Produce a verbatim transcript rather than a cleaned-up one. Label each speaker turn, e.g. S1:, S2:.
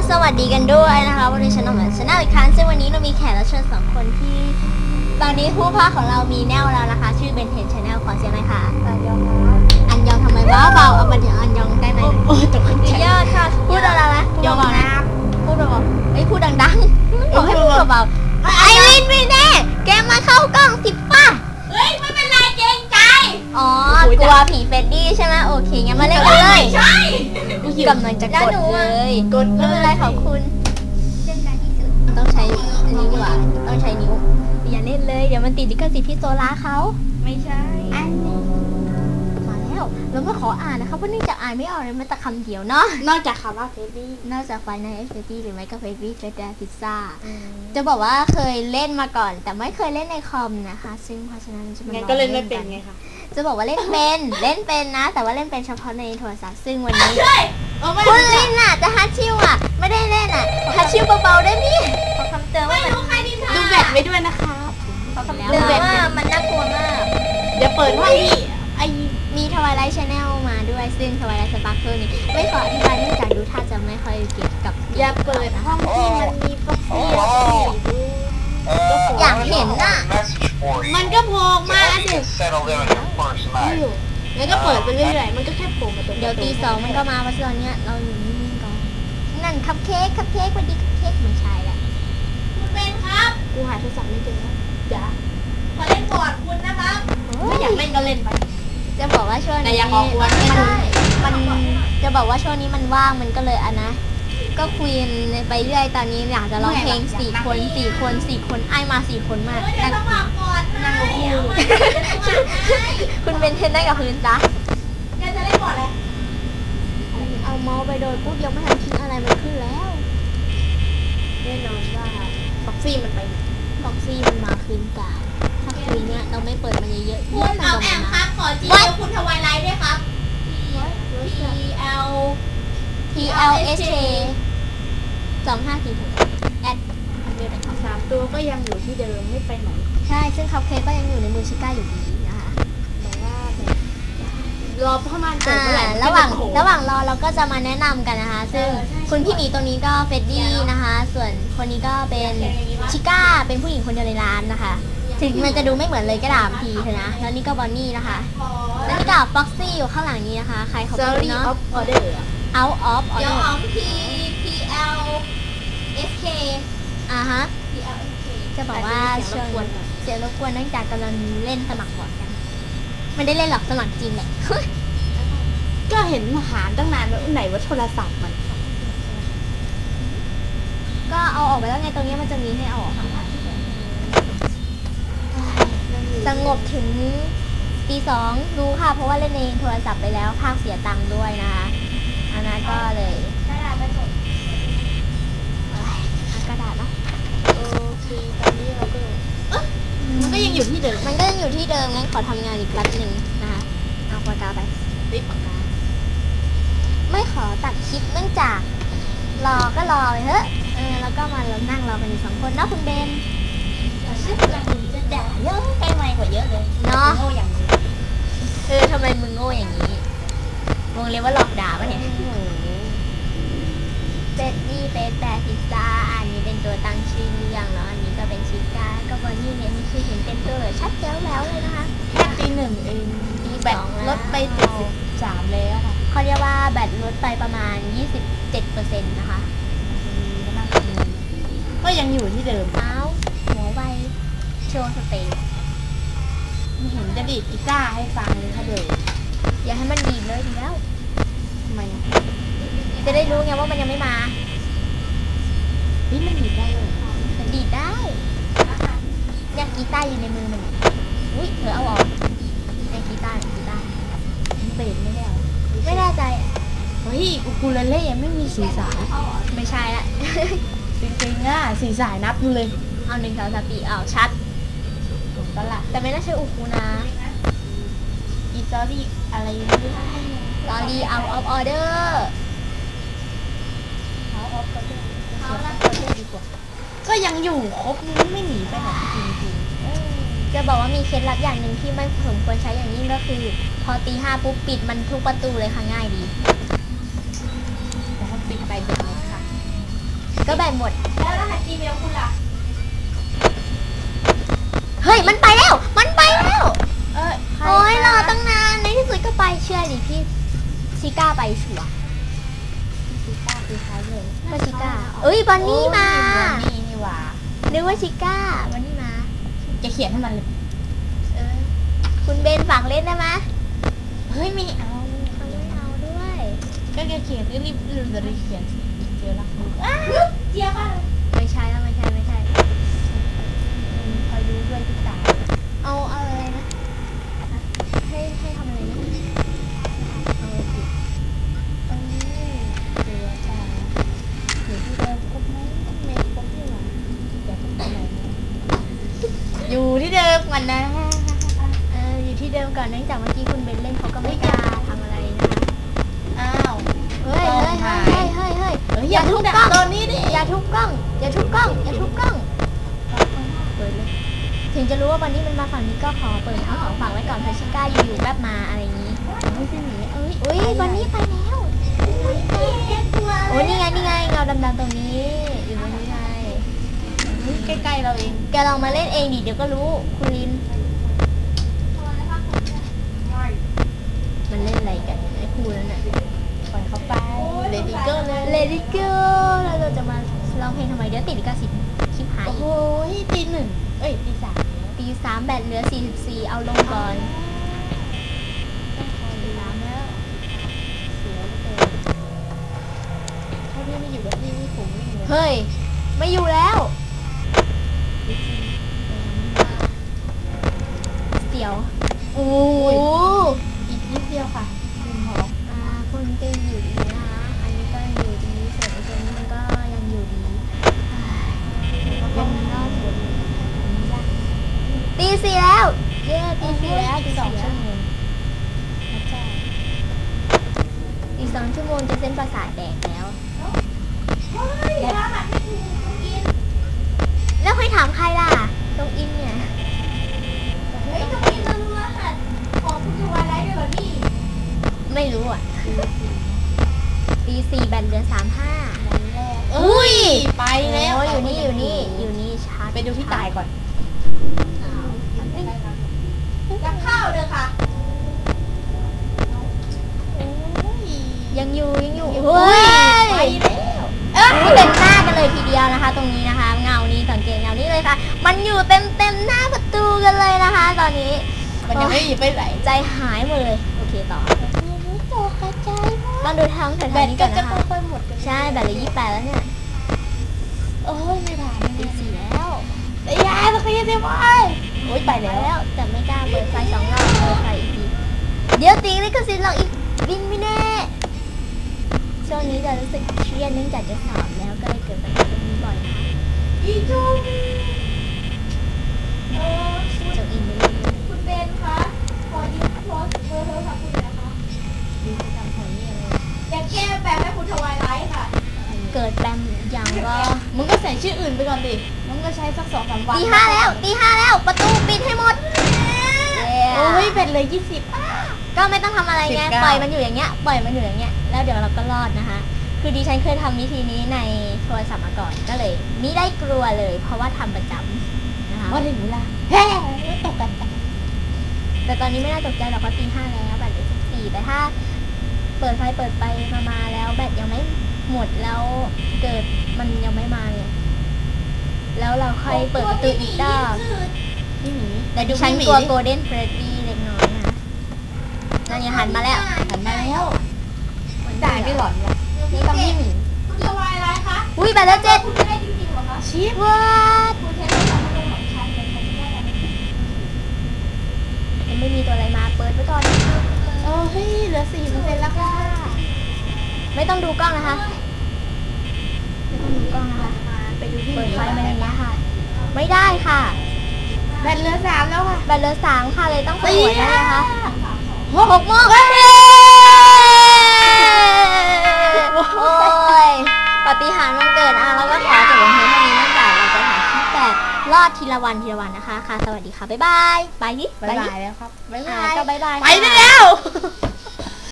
S1: สวัสดีกันด้วยนะคะวันนี้ฉันออกมาชนะอีกครั้งซึ่งวันนี้เรามีแขกรับเชิญสองคนที่ตอนนี้ผู้พากย์ของเรามีแนวแล้วนะคะชื่อเบนเทนชาแนลขอเสียงหน่อยค่ะอันยองอันยองทำไมบ้าเบาเอามาถึงอันยองได้ไหมโอ้ตกใจเยอะค่ะพูดอะไรนะยองเบานะพูดเบาๆไอ้พูดดังๆบอกให้พูดเบาๆไอวินวินเน่แกมาเข้ากล้องสิป้า
S2: เฮ้ยไม่เป็นไรเกรงใจ
S1: อ๋อกลัวผีเฟดดี้ใช่ไหมโอเคงั้นมาเล่นกันเลย
S2: ใช่
S1: กำลังจะกดเลยกดไม่เป็นไรขอบคุณต้องใช้อันนี้ดีกว่าต้องใช้นิ้วอย่าเล่นเลยเดี๋ยวมันติดลิขสิทธิ์พี่โซล่าเขา
S2: ไม่ใช่
S1: อันนี้มาแล้วเราไม่ขออ่านนะคะเพราะเนื่องจากอ่านไม่ออกเลยแม้แต่คำเดียวเนาะ
S2: นอกจากคำว่าเฟรดดี้
S1: นอกจากไฟในเอฟเฟดดี้หรือไม่ก็เฟรดดี้เฟรดดี้พิซซ่าจะบอกว่าเคยเล่นมาก่อนแต่ไม่เคยเล่นในคอมนะคะซึ่งเพราะฉะนั้นจะมาลอง
S2: ก็เล่นไม่เป็นไงคะ
S1: จะบอกว่าเล่นเป็นเล่นเป็นนะแต่ว่าเล่นเป็นเฉพาะในโทรศัพท์ซึ่งวันนี้คุณลินน่ะจะฮัตชิวอ่ะไม่ได้เล่นอ่ะฮัตชิวเบาๆได้มั้ยขอคำเตือนว่า
S2: ดูแบตไว้ด้วยนะคะ
S1: ดูแบตว่ามันน่ากลัวมาก
S2: เดี๋ยวเปิดห้องที่
S1: ไอมีทวายไลท์ชาแนลมาด้วยซึ่งทวายไลท์สปาร์เคิลนี่ไม่ขออธิบายเนื่องจากดูท่าจะไม่ค่อยเก็บกับ
S2: อย่าเปิดห้องที่มันมีฟ็อกซี่
S1: อยากเห็นน่ะ
S2: มันก็โผล่มาสิแล้วก็เปิดไปเรื่อยๆมันก็แค่โผล่มาตัว
S1: เดี๋ยวตีสองมันก็มาเพราะตอนเนี้ยเราอยู่นิ่งๆก่อนนั่นคัพเค้กคัพเค้กวันดีคัพเค้กไม่ใช่แหละ
S2: คุณเป็นครับ
S1: กูหาโทรศัพท์ไม่เจอแล้ว
S2: จ้ะมาเล่นบอร์ดคุณนะครับไม่อยากเล่นก็เล่นไป
S1: จะบอกว่าช่วงนี้
S2: มัน
S1: มันจะบอกว่าช่วงนี้มันว่างมันก็เลยอ่ะนะก็คุยไปเรื่อยตอนนี้อยากจะร้องเพลงสี่คนสี่คนสี่คนไอมาสี่คนมาก
S2: นั่งนั่งคู่
S1: คุณเป็นเทนได้กับพื้นจ้ะ
S2: แกจะเล่นบอร์ดอะไร
S1: เอาเมาส์ไปโดนปุ๊บยังไม่ทันคิดอะไรมันขึ้นแล้ว
S2: แน่นอนว่าฟ็อกซี่มันไป
S1: ฟ็อกซี่มันมาคืนกาถ้าคืนเนี้ยเราไม่เปิดมันเยอะๆ
S2: คุณเอาแอมครับขอจีบคุณทวายไลท์ด้วยครับ T L
S1: T L S K สองห้าสี่หกแอด
S2: สามตัวก็ยังอยู่ที่เดิมไม่ไปไหน
S1: ใช่ซึ่งคัพเค้กก็ยังอยู่ในมือชิก้าอยู่ดีนะคะ
S2: แต่ว่ารอประมาณเกิดเมื่อไหร่
S1: ระหว่างระหว่างรอเราก็จะมาแนะนำกันนะคะซึ่งคุณพี่หมีตรงนี้ก็เฟดดี้นะคะส่วนคนนี้ก็เป็นชิก้าเป็นผู้หญิงคนเดียวในร้านนะคะถึงมันจะดูไม่เหมือนเลยก็ตามทีเถอะนะแล้วนี่ก็บอนนี่นะคะแล้วนี่ก็ฟ็อกซี่อยู่ข้างหลังนี้นะคะใครเขาเป็นเนาะ out of order
S2: out of P P L S K
S1: อ่าฮะ
S2: P L S K
S1: จะบอกว่าเสียงรบกวนเสียงรบกวนเนื่องจากกำลังเล่นสมัครบอร์ดกันไม่ได้เล่นหรอกสมัครจริงแหละ
S2: ก็เห็นหาตั้งนานแล้วไหนว่าโทรศัพท์มัน
S1: ก็เอาออกไปแล้วไงตรงนี้มันจะมีให้เอาออกสงบถึงตีสองรู้ค่ะเพราะว่าเล่นในโทรศัพท์ไปแล้วภาคเสียตังค์ด้วยนะคะอันนั้นก็เลย
S2: กระดาษไปหมด
S1: กระดาษนะ
S2: โอเคตอนนี้เราก็มันก็ยังอยู่ที่เดิม
S1: มันก็ยังอยู่ที่เดิมงั้นขอทำงานอีกแป๊บหนึ่งนะคะเอาปากกาไป
S2: รีบปากกา
S1: ไม่ขอตัดคลิปเนื่องจากรอก็รอไปเถอะเออแล้วก็มาเรานั่งรอกันอยู่สองคนนะคุณเบน
S2: ชื่อจะจะด่าเยอะใกล้ไมค์กว่าเยอะเลย
S1: เนาะ
S2: โง่อย่างนี้
S1: เออทำไมมึงโง่อย่างนี้วงเรียกว่าหลอกด่าปะเนี่ยเฟดดี้เฟสแปดพิซซ่าอันนี้เป็นตัวตั้งชื่ออย่างแล้วอันนี้ก็เป็นชิก้าก็บอนนี่เนี่ยนี่คือเห็นเต็มตัวเลยชัดเจ๋วแล้วเลยนะคะ
S2: แค่ตีหนึ่งเองแบตลดไปเจ็ดสิบสามแล้วค่ะ
S1: เขาเรียกว่าแบตลดไปประมาณยี่สิบเจ็ดเปอร์เซ็นต์นะคะ
S2: ก็ยังอยู่ที่เดิม
S1: อ้าวหัวไวโชว์สเตจ
S2: เห็นจะดีดกีตาร์ให้ฟังเลยค่ะเดี๋ยว
S1: อย่าให้มันดีดเลยดีแล้ว
S2: ทำไม
S1: จะได้รู้ไงว่ามันยังไม่มา
S2: นี่มันดีดได้เลย
S1: ดีดได้เนี่ยกีตาร์อยู่ในมือมันอุ้ยเธอเอาออกในกีตาร์กีตาร์
S2: เบสไม่ได้หรอ
S1: ไม่แน่ใจ
S2: เฮ้ยอูคูเลเล่ยังไม่มีสีสาย
S1: ไม่ใช่ละ
S2: จริงๆอ่ะสีสายนับดูเลย
S1: เอาหนึ่งสองสามสี่เอาชัด
S2: ตลาด
S1: แต่ไม่น่าใช่อูคูนะ
S2: อีซอรี่อะไรนี่
S1: ลอรี out of order
S2: เอาออฟก็ได้เอาละดีกว่าก็ยังอยู่ครบนี้ไม่หนีไปไหนจริงๆ
S1: จะบอกว่ามีเคล็ดลับอย่างหนึ่งที่ไม่สมควรใช้อย่างยิ่งก็คือพอตีห้าปุ๊บปิดมันทุกประตูเลยค่ะง่ายดี
S2: แต่ถ้าปิดไปเด็กเลยค่ะ
S1: ก็แบตหมด
S2: แล้วรหัส Gmail คุณล่ะ
S1: เฮ้ยมันไปแล้วมันไปแล้ว
S2: เออใค
S1: โอ้ยรอ
S2: คะ
S1: ตั้งนานในที่สุดก็ไปเชื่อดิพี่ชิก้าไปชัวร์
S2: ชิก้าคือใครเลย
S1: ก็ชิก้าเอ้ยบอนนี่มา
S2: บอนนี่นี่หว่า
S1: นึกว่าชิก้าบอนนี่มา
S2: จะเขียนให้มันเลย
S1: เออคุณเบนฝากเล่นได้ไหม
S2: เฮ้ยไม่เอา
S1: เขาไม่เอาด้วย
S2: ก็จะเขียนก็รีบรีบรีบเขียนสิเจอละเจี๊ยบอ่ะ
S1: ไม่ใช่แล้วไม่ใช่ไม่ใช่
S2: คอยดูด้วยพี่ตา
S1: เอาเอาอะไรนะให้ให้ทำอะไรนะเอาสิ
S2: เออเจอจ้าอยู่ที่เดิมครบไหมไม่ครบที่หว่าอย่าไปไหนนะอยู่ที่เดิมก่อนนะ
S1: เอออยู่ที่เดิมก่อนเนื่องจากเมื่อกี้คุณเบนเล่นเขาก็ไม่กล้าทำอะไรนะคะ
S2: อ้าว
S1: เฮ้ยเฮ้ยเฮ้ยเฮ้ยเฮ้ย
S2: เฮ้ยอย่าทุบกล้องตอนนี้ดิ
S1: อย่าทุบกล้องอย่าทุบกล้องอย่าทุบกล้องเปิดเลยถึงจะรู้ว่าวันนี้มันมาฝั่งนี้ก็ขอเปิดทั้งสองฝั่งไว้ก่อนเพราะชิก้าอยู่ๆแป๊บมาอะไรอย่างนี้
S2: ไม่ใช่หนีเอ้ย
S1: อุ้ยวันนี้ไปแล้วโอ้ยนี่ไงนี่ไงเงาดำๆตรงนี้อยู่ตรงนี้ไง
S2: ใกล้ๆเราเอง
S1: แกลองมาเล่นเองดิเดี๋ยวก็รู้คุณลินมันเล่นอะไรกันไอ้ครูนั่นน่ะ
S2: ปล่อยเขาไปเลดี้เกิร์ลเลย
S1: เลดี้เกิร์แล้วเราจะมาร้องเพลงทำไมเดี๋ยวติดลิขสิทธิ์คลิปหาย
S2: โอ้โหตีหนึ่งเอ้ยตีสาม
S1: ตีสามแบตเหลือสี่สิบสี่เอาลงก่อน
S2: ตีสามแล้วเสียเหลือเกินถ้าพี่ไม่อยู่กับพี่นี่ผมไม่อยู่เลย
S1: เฮ้ยไม่อยู่แล้วเสียวโอ้
S2: อีกนิดเดียวค่ะคุณหมอ
S1: อ่าคนก็อยู่ดีนะคะอันนี้ก็อยู่ดีส่วนไอ้ตัวนี้มันก็ยังอยู่ดียังรอดอยู่ตีสี่แล้วเย้ตีสี่แล้วตี
S2: ส
S1: ส
S2: อ
S1: อง ง
S2: ชั่
S1: ชั่
S2: ว
S1: ว
S2: โม
S1: โม
S2: ง
S1: ง
S2: พระเจ้า
S1: อีกสองชั่วโมงจะเส้นประสาทแดกแล้วแล้วให้ถามใครล่ะตรงอินเนี่ย
S2: เฮ้ยตรงนี้เรารู้รหัสของคุณทวายไลท์ด้วยเหรอนี่
S1: ไม่รู้อ่ะตีสี่แบตเหลือสามห้า
S2: อุ้ยไปแล้ว
S1: โอ้ยอยู่นี่อยู่นี่อยู่นี่ชาร์จ
S2: ไปดูพี่ตายก่อนจะเข้าเลยค่ะโอ้ย
S1: ยังอยู่ยังอยู่
S2: เฮ้ยไป
S1: เฮ้ย
S2: แล้ว
S1: นี่เป็นหน้ากันเลยทีเดียวนะคะ ตรงนี้นะคะ เงานี้สังเกตเงานี้เลยค่ะ มันอยู่เต็มเต็มหน้าประตูกันเลยนะคะ ตอนนี้
S2: มันยังไม่หยิบไปไหน
S1: ใจหายหมดเลยโอเคต่อ
S2: ตกกระจาย
S1: ต้องดูทางแถว
S2: แบต
S1: ๆนี้
S2: ก็
S1: ก่อน
S2: จะ
S1: นะคะ
S2: ค่อยๆหมดกัน
S1: ใช่แบตเหลือยี่สิบแปดแล้วเนี่ย
S2: โอ้ยไม่ผ่าน
S1: ตีสี่แล้ว
S2: แต่ยายสักทีสิวะโอ้ยไป
S1: ไป
S2: แล้ว
S1: แล้วแต่ไม่กล้าเปิดไฟสองรอบเปิดไฟอีกทีเดี๋ยวตีลิขสิทธิ์เราอีกบินไม่แน่ช่วงนี้จะรู้สึกเครียดเนื่องจากจะสอบแล้วก็เลยเกิดปัญหาตรงนี้บ่อยนะคะ
S2: อีจุ๊บเออ
S1: เจ้าอินไม่รู้
S2: คุณเบนคะขอยืมโทรศัพท์เบอร์โทรศัพท์คุณนะคะ
S1: ดูประจำของนี่อะไร
S2: อยากแก้แปลให้คุณทวายไลท์ค่ะ
S1: เกิดแปมยังก็
S2: มึงก็ใส่ชื่ออื่นไปก่อนดิมึงก็ใช้สักสองสามวัน
S1: ตีห้าแล้วตีห้าแล้วประตูปิดให้หมด
S2: โอ้ยเป็นเลยยี่สิบ
S1: ก็ไม่ต้องทำอะไรไง
S2: สิบเก้า
S1: ปล่อยมันอยู่อย่างเงี้ยปล่อยมันอยู่อย่างเงี้ยแล้วเดี๋ยวเราก็รอดนะคะ คือดิฉันเคยทำวิธีนี้ในโทรศัพท์มาก่อนก็เลยไม่ได้กลัวเลย เพราะว่าทำประจำนะคะ
S2: ว่าถึงเวลาเฮ้ยตกกัน
S1: แต่ตอนนี้ไม่น่าตกใจหรอกเพราะตีห้าแล้วแบตเหลือสิบสี่แต่ถ้าเปิดไฟเปิดไปมามาแล้วแบตยังไม่หมดแล้วเกิดมันยังไม่มาเนี่ยแล้วเราค่อยเปิดประตูอีกรอบ
S2: พี่หมี
S1: แต่ดิฉันกลัวโกลเด้นเฟรดดี้เล็กน้อยนะนั่นยังหันมาแล้ว
S2: หันมาแล้วจ่ายไม่หลอนเลยนี่ต้องพี่หมีคุณทวายไลท์คะ
S1: อุ้ยแบตแล้วเจ็ด
S2: คุณไม่ได้จริงๆหรอคะชิป
S1: วัด
S2: คุณเทสโทรศัพท์มาลงของฉันเลยค่ะที่ว่าอะไร
S1: ยังไม่มีตัวอะไรมาเปิดไว้ก่อน
S2: เออเฮ้ยเหลือสี่เปอร์เซ็นต์แล้วค่ะ
S1: ไม่ต้องดูกล้องนะคะไม่ต้องดูกล้องนะคะ
S2: ไปดูที่
S1: เปิดไฟมาอย่างนี้ยค่ะ ไม่ได้ค่ะ
S2: แบตเหลือสามแล้วค่ะ
S1: แบตเหลือสามค่ะเลยต้องส
S2: ตี
S1: วยแล้วนะคะ
S2: หกโมง
S1: โอ้ยปาฏิหาริย์วันเกิดอ่ะแล้วก็ขอจบลงเพียงเท่านี้เนื่องจากเราจะถ่ายคลิปแบบรอดทีละวันทีละวันนะคะค่ะสวัสดีค่ะบ๊ายบายไปดิ
S2: บ๊าย
S1: ดิ
S2: บายแล้วครับบ๊าย
S1: อ่า
S2: บาย
S1: ก็บ๊ายบาย
S2: ไปได้แล้ว